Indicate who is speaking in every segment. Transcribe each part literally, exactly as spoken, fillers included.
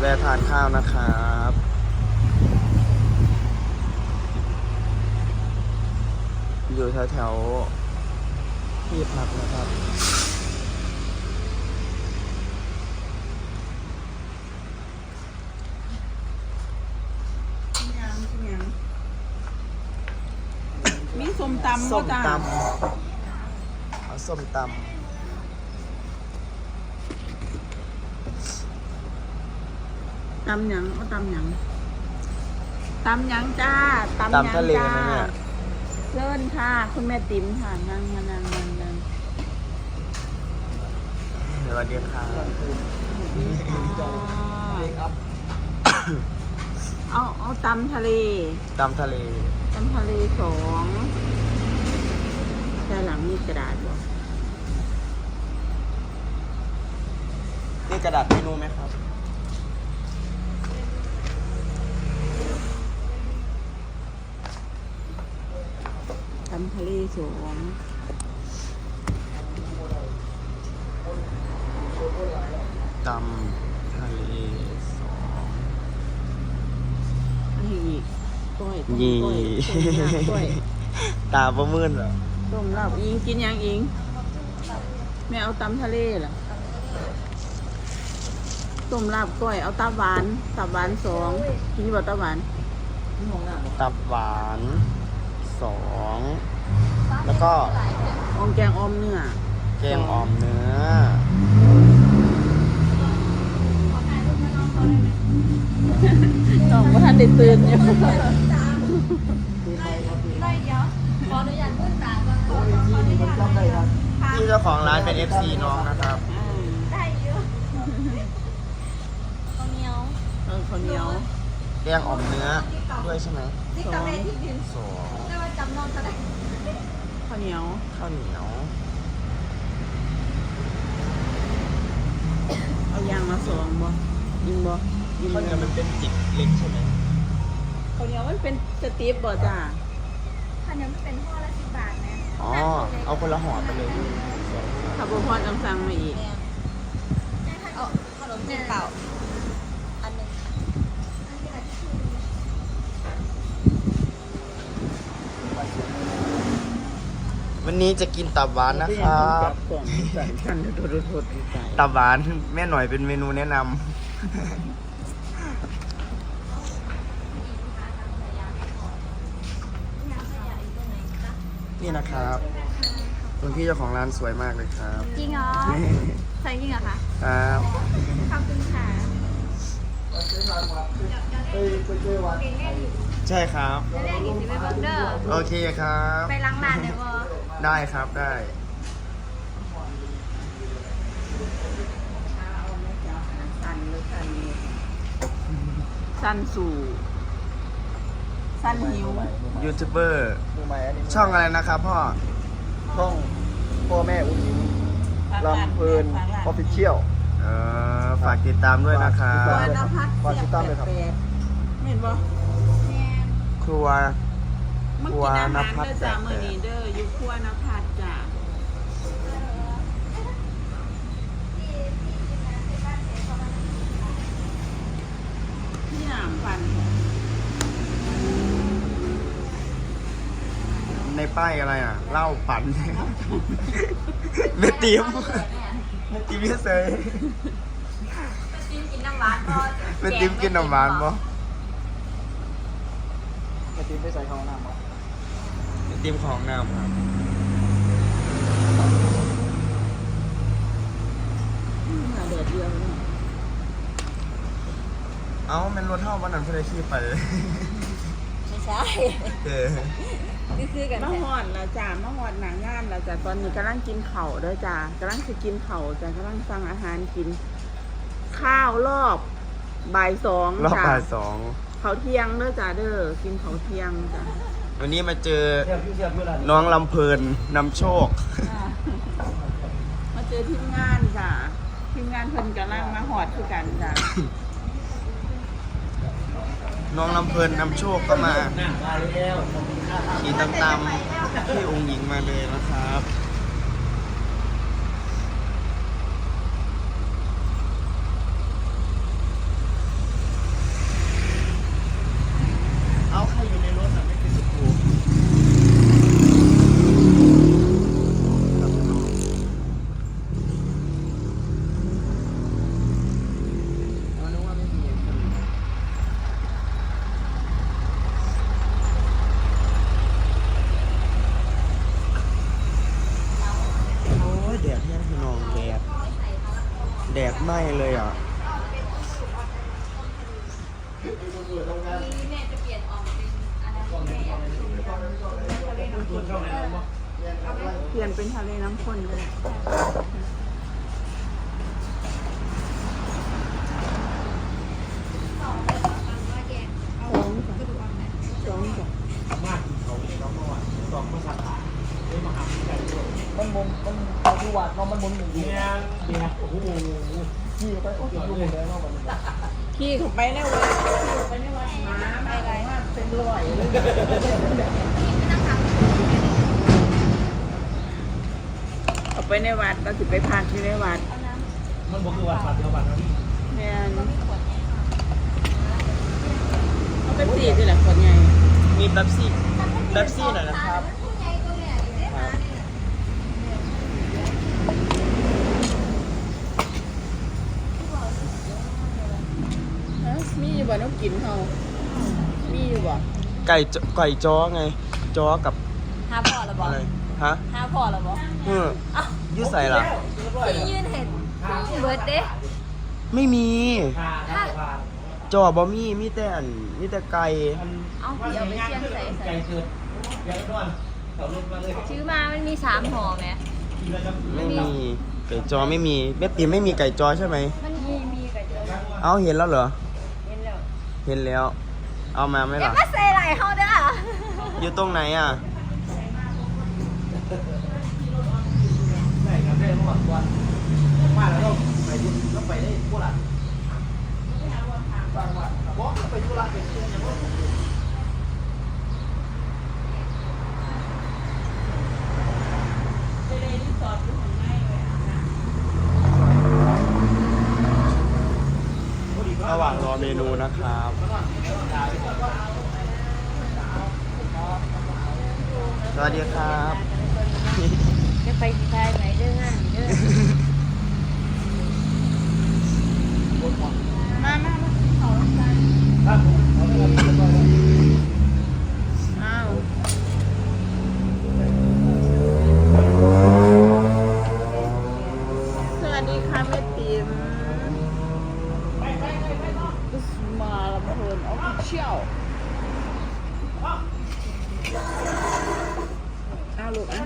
Speaker 1: วะทานข้าวนะครับอยู่แถวๆที่พักนะครับ
Speaker 2: มีส้มตำ
Speaker 1: ส้ม
Speaker 2: จ้า
Speaker 1: ตำเอาส้มตำ
Speaker 2: ตำหยังเอาตำหยังตำหยังจ้าตำหยัง
Speaker 1: ตำทะเล
Speaker 2: จ้า
Speaker 1: ไหมเนี่ย
Speaker 2: เชิญค่ะคุณแม่ติ๋มค่ะนั่งมานั่งนั่งนั่ง
Speaker 1: สวัสดีครับ
Speaker 2: เอาเอาตำทะเล
Speaker 1: ตำทะเล
Speaker 2: ตำทะเลสองด้านหลังมีกระดาษบ่
Speaker 1: นี่กระดาษเมนูไหมครับ
Speaker 2: ตำทะเลสอง
Speaker 1: ตำทะเลสอง
Speaker 2: อันนี้อีกก้อยต้ม
Speaker 1: ยี่
Speaker 2: ก้อยต้มลาบก้อย
Speaker 1: ตาประมืนเหรอ
Speaker 2: ต้มลาบอิงกินยังอิงแม่เอาตำทะเลเหรอต้มลาบก้อยเอาตับหวานตับหวานสองกินบ่ตับหวาน
Speaker 1: ตับหวานสองแล้วก็
Speaker 2: อมแกงออมเนื้อ
Speaker 1: แกงอ่อมเนื้อ
Speaker 2: น้องว่าท่านได้ตื่นอยู่
Speaker 1: ที่เจ้าของร้านเป็น เอฟ ซี น้องนะครับ
Speaker 3: ได้เยอะข้าวเหนียว
Speaker 2: เออข้าวเหนียว
Speaker 1: แกงอ่อมเนื้อด้วยใช่ไหม
Speaker 3: นี่กาแฟที่ดิน
Speaker 1: สอง
Speaker 3: ได้ว่าจำนวนเท่าไหร่
Speaker 2: ข้าวเหนียว
Speaker 1: ข้าวเหนียว
Speaker 2: เอายางมาสองบ่ยิงบ่ยิง
Speaker 1: ข้าวเหนียวมันเป็นจิกเล็กใช่ไหม
Speaker 2: ข้าวเหนียวมันเป็นสตีฟบ่จ้า
Speaker 3: ข้าวเหนียวมันเป็นห่อละสิบบาทนะ
Speaker 1: อ๋อเอาคนละห่อไปเลย
Speaker 2: ถ้าบ่พอต้องสั่งมาอีก
Speaker 3: เอาขนมจีนเปล่าอันหนึ่ง
Speaker 1: วันนี้จะกินตับหวานนะครับ
Speaker 2: สั่นสั่นโดดโดดใจ
Speaker 1: ตับหวานแม่หน่อยเป็นเมนูแนะนำ นี่นะครับคุณพี่เจ้าของร้านสวยมากเลยครับ
Speaker 3: จริงเหรอใช่จริงเหรอคะ
Speaker 1: ครับ
Speaker 3: ขอบคุณค่ะ
Speaker 1: ใช่ครับ
Speaker 3: แล้วแรกอีกสิไปเบิร์กเดอร์
Speaker 1: โอเคครับ
Speaker 3: ไปล้างร้านเดี๋ยวบอ
Speaker 1: ได้ครับได้
Speaker 2: สั่นเลยสั่นสั่นสู่สั่นหิว
Speaker 1: ยูทูบเบอร์ช่องอะไรนะครับพ่อ
Speaker 4: ช่องพ่อแม่อุ้งอิงลำเพลินออฟฟิเชียล
Speaker 1: เออฝากติดตามด้วยนะครับ
Speaker 2: ครัวนภัส
Speaker 4: ฝากติดตามเลยครับ
Speaker 2: แปดเห็นบ่
Speaker 3: แม่
Speaker 1: ครัว
Speaker 2: มันกินอาหารเด้อจ้ามื้อนี้เด้ออยู่ครัวนภัสจ้าพี่หนามฟัน
Speaker 1: ในป้ายอะไรอ่ะเหล้าปั่น เมติมเมติมเฉย
Speaker 3: จิ้มกินน้ำหวานพอ
Speaker 1: เมติมกินน้ำหวานบ่
Speaker 4: กระติมไปใส่ข้าวหน้ามา
Speaker 1: เมติมของน้ำครับ
Speaker 2: มาเดือดเดียวเนี่ย
Speaker 1: เอ้าเป็นรถเท่าวันนั้นเพื่อขี่ไป
Speaker 3: ไม่ใช่
Speaker 1: เออ
Speaker 3: คือคือกัน
Speaker 2: มาหอดละจ้ามาหอดหนังงานละจ้าตอนนี้กำลังกินเข่าวเด้อจ้ากำลังจะกินเข่าวจ้ากำลังสั่งอาหารกิน ข้าวรอบบ่ายสอง
Speaker 1: รอบ
Speaker 2: จ้า
Speaker 1: บ่ายสอง
Speaker 2: เขาวเที่ยงเด้อจ้าเด้อกินเขาวเที่ยงจ้า
Speaker 1: วันนี้มาเจอ
Speaker 4: เทียบเทียบเมื่อไหร่
Speaker 1: น้องลำเพลินนำโชค
Speaker 2: มาเจอทีมงานจ้าทีมงานเพิ่นกำลังมาหอดคือกันจ้า
Speaker 1: น้องลำเพลินนำโชคก็มา
Speaker 4: หน้ามาแล้ว
Speaker 1: ขี่ตามๆพี่องค์หญิงมาเลยนะครับ
Speaker 2: ม
Speaker 1: แดดไหม้เลยอ่ะ
Speaker 3: แม่จะเปลี่ยนออกเป็นอะไรแม่อยากกินทะเลน้ำข้น
Speaker 2: เปลี่ยนเป็นทะเลน้ำข้นเลย
Speaker 3: สองเลยมันว่าแยกเอากระดูกอ่อนไหม
Speaker 2: สองจ้ะ
Speaker 4: มันมุนมันเอาที่วัดเนาะมันมุนหมุนอยู่
Speaker 5: เนี่ยเนี่ยโอ้โห
Speaker 4: ขี่ไปโอ้ยอยู่หมดเลยเนาะมัน
Speaker 2: ขี่เข้าไปในวัดขี่เข้าไปในวัดหมาไม่ไรเป็นร้อยเลย
Speaker 3: ไม่ต้องทำ
Speaker 2: เอาไปในวัดเราสิไปพักที่ในวัด
Speaker 3: เอาน้ำ
Speaker 5: มันบอกคือวัดวัดเดียววัดนะ
Speaker 2: แม่น
Speaker 3: ก็ไม่ขวดไง
Speaker 2: เอาไปสี่ที่แหละคนใหญ่
Speaker 1: มีเป๊ปซี่เป๊ปซี่หน่อยนะครับ
Speaker 3: ผู้ใหญ่ตัวใหญ่ได้มาเนี่ย
Speaker 2: ฮะมีอยู่บ่น้องกินเฮามีอยู่บ่
Speaker 1: ไก่จไก่จ้อไงจ้อกับ
Speaker 3: หาพอหรอบอ
Speaker 1: อะไรฮะ
Speaker 3: หาพอหรอบอ
Speaker 1: เออยืดใส่ล่ะ
Speaker 3: พี่ยืนเห็นเบิร์ดเด้
Speaker 1: ไม่มี
Speaker 5: พาถ้าพา
Speaker 1: จอบอมีมีแต่อันมีแต่ไก่
Speaker 3: เอาพี่เอาไปเชียงใส่
Speaker 5: ไก่
Speaker 3: ใส่
Speaker 5: เกิดไก่ร้อนเขาลงมาเลย
Speaker 3: ซื้อมามันมีสามห่อไหม
Speaker 5: กินแล้วจะ
Speaker 1: ไม่มีไก่จอไม่มีแม่ติ๋มไม่มีไก่จอใช่ไหม
Speaker 3: มันมีมีกับเจอ
Speaker 1: เอาเห็นแล้วเหรอ
Speaker 3: เห็นแล้ว
Speaker 1: เห็นแล้ว เอามาไหม
Speaker 3: อย่า
Speaker 1: ล่ะ
Speaker 3: มาใส่ไหลเขาเด้อ
Speaker 1: อยู่ตรงไหนอ่ะ
Speaker 5: ได้ครับได้หมดวันมาแล้วไปดูแล้วไปได้พวกละบอกไปธุระไปเที่ยวอย่างนั้น
Speaker 2: ไปเลยรีสอร์ทอยู่ข้างในเลยอ่ะนะ
Speaker 1: ระหว่างรอเมนูนะครับ สวัสดีครับ
Speaker 3: จะไปที่ไทยไหนเด้องานเด้อ
Speaker 2: มามามาเขาลงกัน
Speaker 5: ครับผมเอาเรื่องนี้ไป
Speaker 2: อ้าวสวัสดีค่ะแม่ติ๋มกุสมาลำเพลินออฟฟิเชียลอ้าวลูกอ่ะ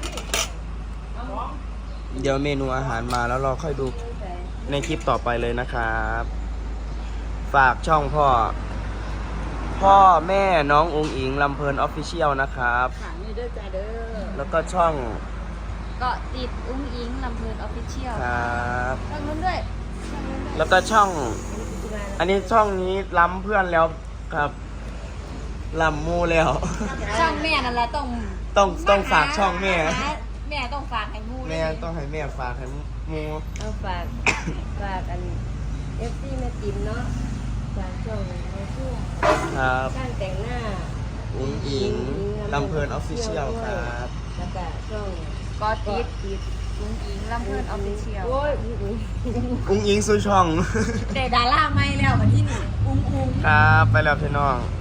Speaker 1: เดี๋ยวเมนูอาหารมาแล้วเราค่อยดูในคลิปต่อไปเลยนะครับ ฝากช่องพ่อ พ่อแม่น้องอุงอิงลำเพลินออฟฟิเชียลนะครับ
Speaker 2: ค่ะนี่เด้อจ้าเด้อ
Speaker 1: แล้วก็ช่อง
Speaker 3: ก็ติดอุ้งอิงลำเพลินออฟฟิเชียล
Speaker 1: ครับ
Speaker 3: ช่องนู้นด้วยช่องนู้นด้วย
Speaker 1: แล้วก็ช่อง อันนี้ช่องนี้ล้ำเพื่อนแล้วครับล้ำมูแล้ว
Speaker 3: ช่องแม่นั่นแหละต้อง
Speaker 1: ต้องต้องฝากช่องแม่
Speaker 3: แม่ต้องฝากให้มู
Speaker 1: แม่ต้องให้แม่ฝากให้มู
Speaker 6: เอาฝาก ฝากอันเอฟซีแม่ติ๋มเนาะฝากช่องในช่วง
Speaker 1: ครับ
Speaker 6: การแต่งหน้า
Speaker 1: อุงอิงลำเพลินออฟฟิเชียลครับ
Speaker 6: แล้วก็ช่อง
Speaker 3: ก็ติด
Speaker 6: ติด
Speaker 3: อุ้งอิงลำเพลินออฟฟิเชียล
Speaker 6: โอ้ย
Speaker 1: อุงอิงสู่ช่อง
Speaker 3: แต่ดาราไม่แล้ววันที่หนึ่งอุ้งอุ้ง
Speaker 1: ครับไปแล้วพี่น้อง